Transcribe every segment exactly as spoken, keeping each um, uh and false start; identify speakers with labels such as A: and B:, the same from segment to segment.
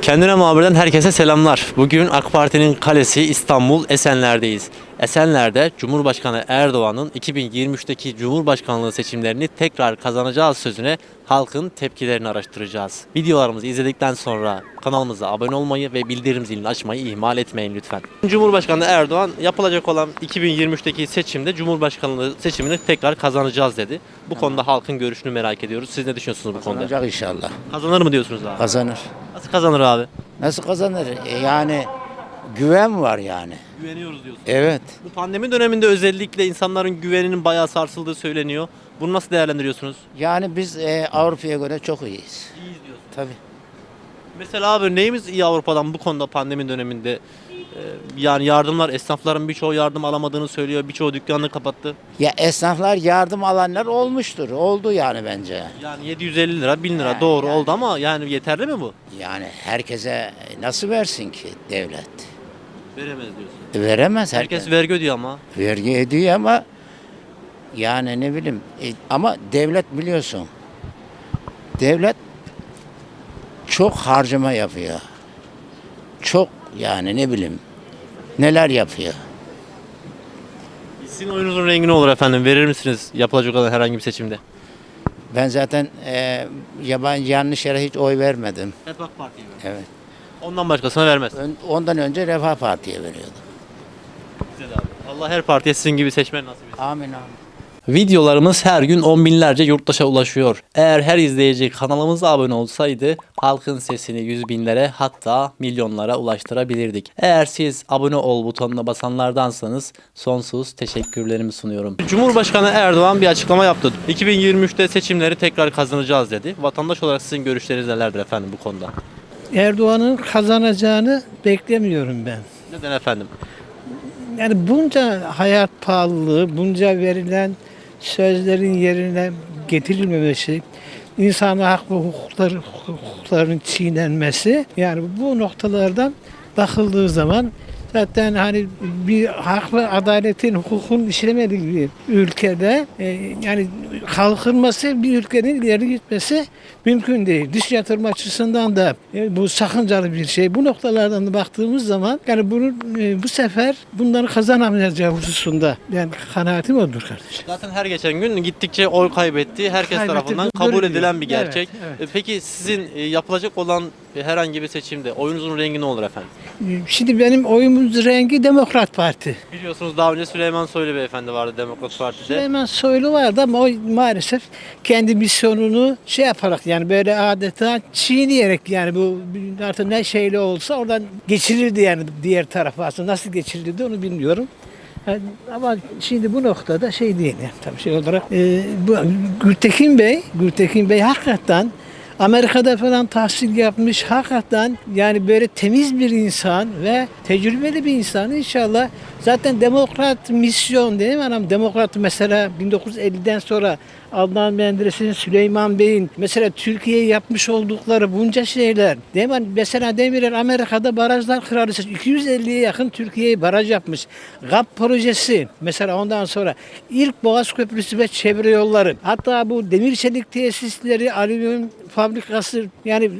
A: Kendine Muhabir'den herkese selamlar. Bugün AK Parti'nin kalesi İstanbul Esenler'deyiz. Esenler'de Cumhurbaşkanı Erdoğan'ın iki bin yirmi üçteki Cumhurbaşkanlığı seçimlerini tekrar kazanacağız sözüne halkın tepkilerini araştıracağız. Videolarımızı izledikten sonra kanalımıza abone olmayı ve bildirim zilini açmayı ihmal etmeyin lütfen. Cumhurbaşkanı Erdoğan yapılacak olan iki bin yirmi üçteki seçimde Cumhurbaşkanlığı seçimini tekrar kazanacağız dedi. Bu konuda halkın görüşünü merak ediyoruz. Siz ne düşünüyorsunuz bu konuda?
B: Kazanacak inşallah.
A: Kazanır mı diyorsunuz abi?
B: Kazanır.
A: Nasıl kazanır abi?
B: Nasıl kazanır? E, Yani güven var yani.
A: Güveniyoruz diyorsun.
B: Evet.
A: Bu pandemi döneminde özellikle insanların güveninin bayağı sarsıldığı söyleniyor. Bunu nasıl değerlendiriyorsunuz?
B: Yani biz e, Avrupa'ya göre çok iyiyiz.
A: İyiyiz diyorsun.
B: Tabii.
A: Mesela abi neyimiz iyi Avrupa'dan bu konuda pandemi döneminde? Ee, yani yardımlar, esnafların birçoğu yardım alamadığını söylüyor. Birçoğu dükkanını kapattı.
B: Ya esnaflar yardım alanlar olmuştur. Oldu yani bence.
A: Yani yedi yüz elli lira, bin lira
B: Yani,
A: doğru
B: yani.
A: oldu ama yani yeterli mi bu?
B: Yani herkese nasıl versin ki devlet?
A: Veremez diyorsun.
B: E, Veremez herkes.
A: Herkes vergi ödüyor ama.
B: Vergi ediyor ama yani ne bileyim e, ama devlet biliyorsun. Devlet çok harcama yapıyor. Çok yani ne bileyim neler yapıyor.
A: Sizin oyunuzun rengi ne olur efendim? Verir misiniz yapılacak olan herhangi bir seçimde?
B: Ben zaten e, yabancı yanlış yere hiç oy vermedim.
A: Hep AK Parti'ye verir.
B: Evet.
A: Ondan başkasına vermez.
B: Ön- Ondan önce Refah Parti'ye veriyordum.
A: Güzel abi. Allah her partiye sizin gibi seçmen nasip etsin.
B: Amin amin.
A: Videolarımız her gün on binlerce yurttaşa ulaşıyor. Eğer her izleyici kanalımıza abone olsaydı halkın sesini yüz binlere hatta milyonlara ulaştırabilirdik. Eğer siz abone ol butonuna basanlardansanız sonsuz teşekkürlerimi sunuyorum. Cumhurbaşkanı Erdoğan bir açıklama yaptı. iki bin yirmi üçte seçimleri tekrar kazanacağız dedi. Vatandaş olarak sizin görüşleriniz nelerdir efendim bu konuda?
C: Erdoğan'ın kazanacağını beklemiyorum ben.
A: Neden efendim?
C: Yani bunca hayat pahalılığı, bunca verilen sözlerin yerine getirilmemesi, insan hak ve hukukları, hukuklarının çiğnenmesi, yani bu noktalardan bakıldığı zaman zaten hani bir hak ve adaletin, hukukun işlemediği bir ülkede e, yani kalkınması, bir ülkenin ileri gitmesi mümkün değil. Dış yatırım açısından da e, bu sakıncalı bir şey. Bu noktalardan da baktığımız zaman yani bunu e, bu sefer bunları kazanamayacağı hususunda yani kanaatim odur kardeşim.
A: Zaten her geçen gün gittikçe oy kaybetti. Herkes
C: Kaybetti,
A: tarafından
C: bu
A: kabul
C: görülüyor.
A: edilen bir gerçek.
C: Evet, evet.
A: E, Peki sizin e, yapılacak olan herhangi bir seçimde oyunuzun rengi ne olur efendim?
C: Şimdi benim oyumun rengi Demokrat Parti.
A: Biliyorsunuz daha önce Süleyman Soylu beyefendi vardı Demokrat Parti'de.
C: Süleyman Soylu vardı ama o maalesef kendi misyonunu şey yaparak yani böyle adeta çiğneyerek yani bu artık ne şeyle olsa oradan geçirirdi yani diğer tarafa aslında nasıl geçirirdi onu bilmiyorum. Yani ama şimdi bu noktada şey değil yani tabii şey olarak e, bu Gültekin Bey, Gültekin Bey hakikaten Amerika'da falan tahsil yapmış hakikaten yani böyle temiz bir insan ve tecrübeli bir insan inşallah. Zaten demokrat misyon değil mi anam? Demokrat mesela bin dokuz yüz elliden sonra Adnan Menderes'in, Süleyman Bey'in mesela Türkiye'ye yapmış oldukları bunca şeyler. Değil mi? Mesela Demirel Amerika'da barajlar kraliçesi iki yüz elliye yakın Türkiye'ye baraj yapmış. G A P projesi mesela ondan sonra ilk Boğaz Köprüsü ve çevre yolları. Hatta bu demir çelik tesisleri, alüminyum fabrikası yani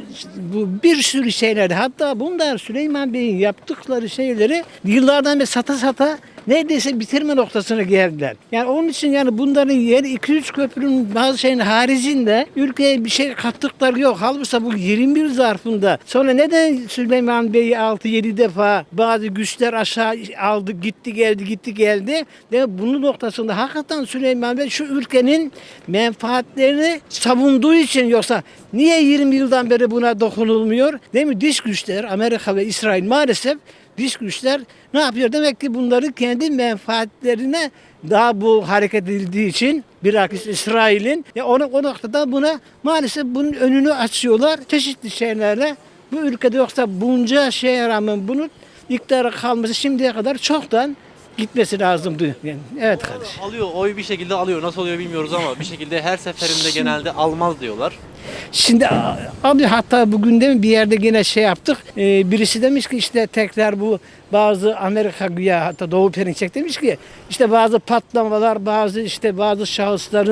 C: bu bir sürü şeyler. Hatta bunlar Süleyman Bey'in yaptıkları şeyleri yıllardan beri sata sata neredeyse bitirme noktasına geldiler. Yani onun için yani bunların yeri iki üç köprünün bazı şeyin haricinde ülkeye bir şey kattıkları yok. Halbuki bu yirmi bir zarfında sonra neden Süleyman Bey'i altı yedi defa bazı güçler aşağı aldı gitti geldi gitti geldi. Ve bunun noktasında hakikaten Süleyman Bey şu ülkenin menfaatlerini savunduğu için yoksa niye yirmi yıldan beri buna dokunulmuyor? Değil mi? Dış güçler Amerika ve İsrail maalesef dış güçler ne yapıyor? Demek ki bunları kendi menfaatlerine daha bu hareket edildiği için bilakis İsrail'in ya onu o noktada buna maalesef bunun önünü açıyorlar çeşitli şeylerle. Bu ülkede yoksa bunca şeye rağmen bunun iktidara kalması şimdiye kadar çoktan gitmesi lazımdı. Yani, evet kardeşim.
A: Alıyor, oy bir şekilde alıyor. Nasıl oluyor bilmiyoruz ama bir şekilde her seferinde genelde almaz diyorlar.
C: Şimdi abi hatta bugün de mi bir yerde yine şey yaptık. Ee, birisi demiş ki işte tekrar bu bazı Amerika güya hatta Doğu Perinçek demiş ki işte bazı patlamalar bazı işte bazı şahısların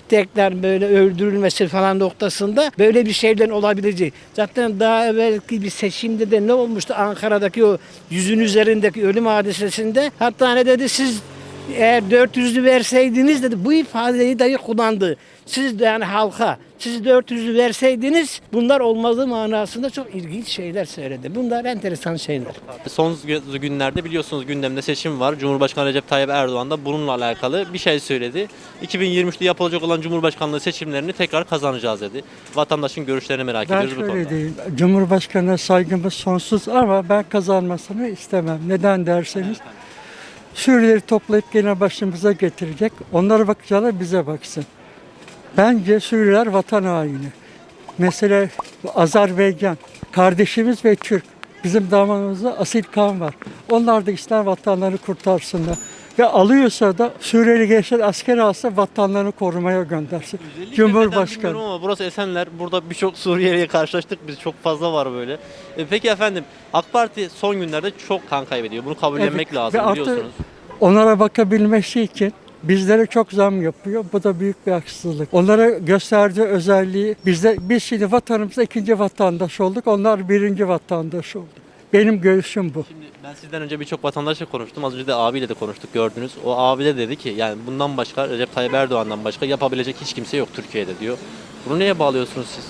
C: tekrar böyle öldürülmesi falan noktasında böyle bir şeylerin olabileceği. Zaten daha evvelki bir seçimde de ne olmuştu Ankara'daki o yüzün üzerindeki ölüm hadisesinde, hatta ne dedi, siz eğer dört yüzlü verseydiniz dedi, bu ifadeyi dahi kullandı. Siz de yani halka, siz dört yüzlü verseydiniz bunlar olmazdı manasında çok ilginç şeyler söyledi. Bunlar enteresan şeyler.
A: Son günlerde biliyorsunuz gündemde seçim var. Cumhurbaşkanı Recep Tayyip Erdoğan da bununla alakalı bir şey söyledi. iki bin yirmi üçte yapılacak olan Cumhurbaşkanlığı seçimlerini tekrar kazanacağız dedi. Vatandaşın görüşlerini merak
D: Ben
A: ediyoruz bu
D: şöyle
A: konuda.
D: diyeyim, Cumhurbaşkanı'na saygımız sonsuz ama ben kazanmasını istemem. Neden derseniz, Suriyelileri toplayıp gene başımıza getirecek. Onlara bakacağına bize baksın. Bence Suriyeliler vatan haini. Mesela bu Azerbaycan, kardeşimiz ve Türk. Bizim damarımızda asil kan var. Onlar da ister vatanlarını kurtarsınlar. Ve alıyorsa da Suriyeli gençler asker alsa vatanlarını korumaya göndersin.
A: Özellikle neden
D: Cumhurbaşkanı.
A: bilmiyorum ama burası Esenler. Burada birçok Suriyeli'ye karşılaştık biz. Çok fazla var böyle. E, peki efendim, AK Parti son günlerde çok kan kaybediyor. Bunu kabullenmek
D: Evet,
A: lazım
D: ve artı
A: biliyorsunuz.
D: Onlara bakabilmesi için bizlere çok zam yapıyor. Bu da büyük bir haksızlık. Onlara gösterdiği özelliği, bizde biz şimdi vatanımızda ikinci vatandaş olduk. Onlar birinci vatandaş oldu. Benim görüşüm bu.
A: Şimdi ben sizden önce birçok vatandaşla konuştum. Az önce de abiyle de konuştuk, gördünüz. O abi de dedi ki yani bundan başka, Recep Tayyip Erdoğan'dan başka yapabilecek hiç kimse yok Türkiye'de diyor. Bunu neye bağlıyorsunuz siz?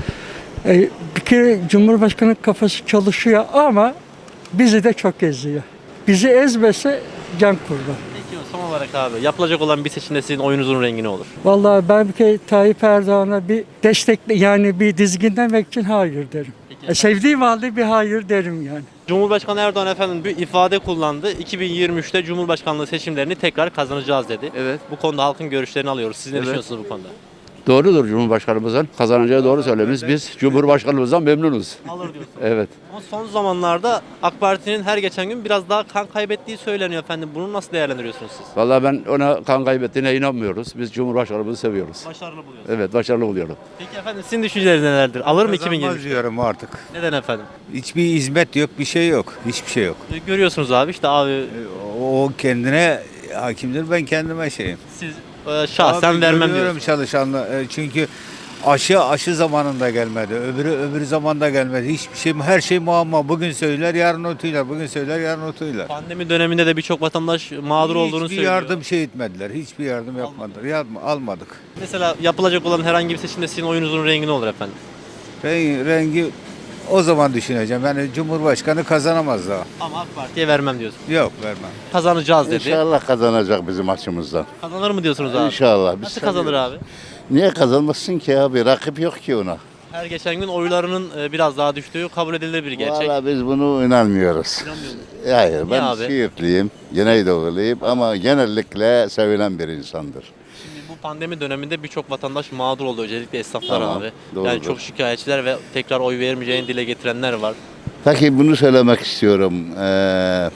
D: E, bir kere Cumhurbaşkanı kafası çalışıyor ama bizi de çok eziyor. Bizi ezmese can kurban.
A: Peki son olarak abi, yapılacak olan bir seçimde sizin oyunuzun rengi ne olur?
D: Vallahi ben bir kere Tayyip Erdoğan'a bir destekle, yani bir dizginlemek için hayır derim.
A: Peki.
D: E, sevdiğim halde bir hayır derim yani.
A: Cumhurbaşkanı Erdoğan efendim bir ifade kullandı. iki bin yirmi üçte Cumhurbaşkanlığı seçimlerini tekrar kazanacağız dedi.
E: Evet.
A: Bu konuda halkın görüşlerini alıyoruz. Siz ne
E: Evet.
A: düşünüyorsunuz bu konuda?
E: Doğrudur Cumhurbaşkanımızın kazanacağı doğru söylemiş. Biz Cumhurbaşkanımızdan memnunuz.
A: Alır diyorsunuz.
E: Evet.
A: Ama son zamanlarda AK Parti'nin her geçen gün biraz daha kan kaybettiği söyleniyor efendim. Bunu nasıl değerlendiriyorsunuz siz?
E: Vallahi ben ona kan kaybettiğine inanmıyoruz. Biz Cumhurbaşkanımızı seviyoruz.
A: Başarılı buluyorsunuz.
E: Evet, başarılı buluyorum.
A: Peki efendim, sizin düşünceleriniz nelerdir? Alır mı iki bin yirmi
F: Kazanmaz
A: üçte?
F: diyorum artık.
A: Neden efendim?
F: Hiçbir hizmet yok, bir şey yok. Hiçbir şey yok.
A: E, Görüyorsunuz abi işte abi
F: O kendine hakimdir, ben kendime şeyim.
A: siz e, şahsen
F: Abi
A: vermem
F: görüyorum
A: diyorsunuz.
F: çalışanla. e, Çünkü aşı aşı zamanında gelmedi. Öbürü öbürü zamanda gelmedi. Hiçbir şey, her şey muamma. Bugün söyler, yarın unutuylar. Bugün söyler, yarın unutuylar.
A: Pandemi döneminde de birçok vatandaş mağdur olduğunu
F: Hiçbir
A: söylüyor.
F: yardım şey etmediler. Hiçbir yardım yapmadılar. Yardım almadık.
A: Mesela yapılacak olan herhangi bir seçimde sizin oyunuzun rengi ne olur efendim?
F: Rengi, rengi o zaman düşüneceğim. Yani Cumhurbaşkanı kazanamaz daha.
A: Ama AK Parti'ye vermem diyorsunuz.
F: Yok, vermem.
A: Kazanacağız dedi.
G: İnşallah kazanacak bizim açımızdan.
A: Kazanır mı diyorsunuz abi?
G: İnşallah. Biz
A: Nasıl kazanır
G: seviyoruz.
A: abi?
G: Niye kazanmasın ki abi? Rakip yok ki ona.
A: Her geçen gün oylarının e, biraz daha düştüğü kabul edilir bir gerçek.
G: Valla biz bunu inanmıyoruz.
A: İnanmıyor musunuz?
G: Hayır, ben
A: abi?
G: Siirtliyim, Güneydoğuluyum ama genellikle sevilen bir insandır.
A: Şimdi bu pandemi döneminde birçok vatandaş mağdur oldu. Özellikle esnaflar
G: Tamam,
A: abi.
G: doğrudur.
A: Yani çok şikayetçiler ve tekrar oy vermeyeceğini dile getirenler var.
G: Peki bunu söylemek istiyorum. Ee,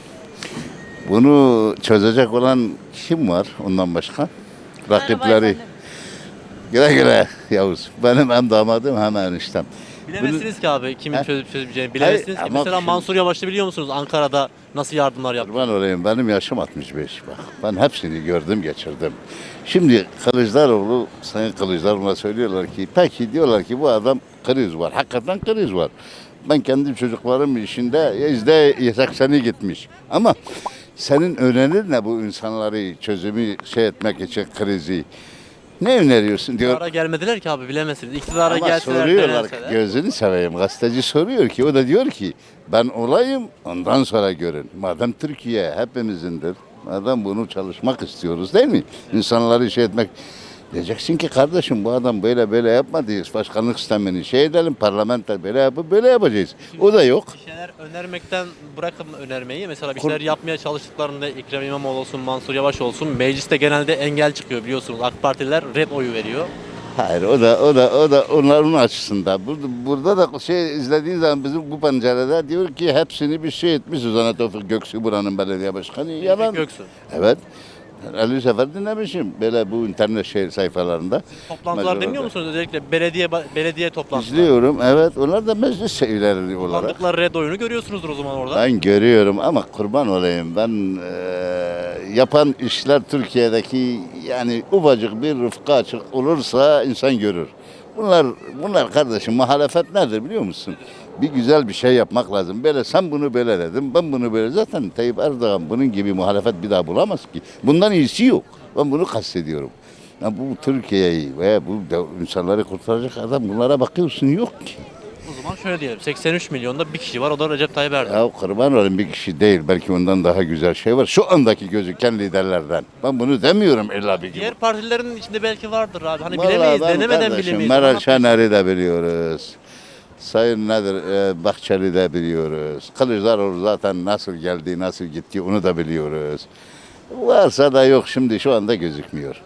G: bunu çözecek olan kim var ondan başka? Rakipleri. Güle güle Yavuz. Benim hem damadım hem eniştem.
A: Bilemezsiniz ki abi kimin
G: He?
A: çözüp çözmeyeceğini. Bilemezsiniz ki.
G: ama
A: Mesela
G: şimdi-
A: Mansur Yavaş'ı biliyor musunuz? Ankara'da nasıl yardımlar yaptı?
G: Kurban olayım, benim yaşım altmış beş bak. Ben hepsini gördüm, geçirdim. Şimdi Kılıçdaroğlu, Sayın Kılıçdaroğlu'na söylüyorlar ki, peki diyorlar ki bu adam kriz var. Hakikaten kriz var. Ben kendi çocuklarım işinde yüzde sekseni gitmiş. Ama senin önerin ne bu insanları çözümü şey etmek için krizi? Ne öneriyorsun diyor.
A: İktidara gelmediler ki abi, bilemezsiniz. İktidara
G: Ama
A: gelseler,
G: soruyorlar,
A: deneseler.
G: gözünü seveyim. Gazeteci soruyor ki, o da diyor ki ben olayım ondan sonra görün. Madem Türkiye hepimizindir, madem bunu çalışmak istiyoruz değil mi? İnsanları şey etmek. Diyeceksin ki kardeşim bu adam böyle böyle yapmadı. Başkanlık sistemini şey edelim, parlamenter böyle yapıp böyle yapacağız. O da yok.
A: Bir şeyler önermekten bırakın önermeyi. Mesela bir şeyler yapmaya çalıştıklarında Ekrem İmamoğlu olsun, Mansur Yavaş olsun, mecliste genelde engel çıkıyor biliyorsunuz. AK Partililer red oyu veriyor.
G: Hayır, o da o da o da onların açısında. Burada, burada da şey izlediğin zaman bizim bu pencerede diyor ki hepsini bir şey etmişiz. Ona Tevfik Göksu buranın belediye başkanı. Yalan.
A: Göksu.
G: Evet. elli sefer dinlemişim böyle bu internet şey sayfalarında.
A: Toplantılar
G: Mecralarda.
A: dinliyor musunuz? Özellikle belediye belediye toplantıları.
G: İzliyorum, evet. Onlar da meclis şeyleri olarak.
A: Kullandıkları red oyunu görüyorsunuzdur o zaman orada.
G: Ben görüyorum ama kurban olayım. Ben eee, yapan işler Türkiye'deki yani ufacık bir rıfkı açık olursa insan görür. Bunlar bunlar kardeşim muhalefet nedir biliyor musun? Bir güzel bir şey yapmak lazım. Böyle sen bunu böyle dedim, ben bunu böyle. Zaten Tayyip Erdoğan bunun gibi muhalefet bir daha bulamaz ki. Bundan iyisi yok. Ben bunu kastediyorum. Ya bu Türkiye'yi veya bu de- insanları kurtaracak adam bunlara bakıyorsun yok ki.
A: O zaman şöyle diyelim. seksen üç milyonda bir kişi var. O da Recep Tayyip Erdoğan.
G: Ya kurban olayım bir kişi değil. Belki ondan daha güzel şey var. Şu andaki gözüken liderlerden. Ben bunu demiyorum illa bir gibi.
A: Diğer partilerin içinde belki vardır abi. Hani
G: Vallahi
A: bilemeyiz,
G: ben
A: denemeden
G: kardeşim,
A: bilemeyiz.
G: Meral
A: Ama
G: Şener'i de biliyoruz. Sayın nedir e, Bahçeli de biliyoruz. Kılıçdaroğlu zaten nasıl geldi, nasıl gitti onu da biliyoruz. Varsa da yok şimdi şu anda gözükmüyor.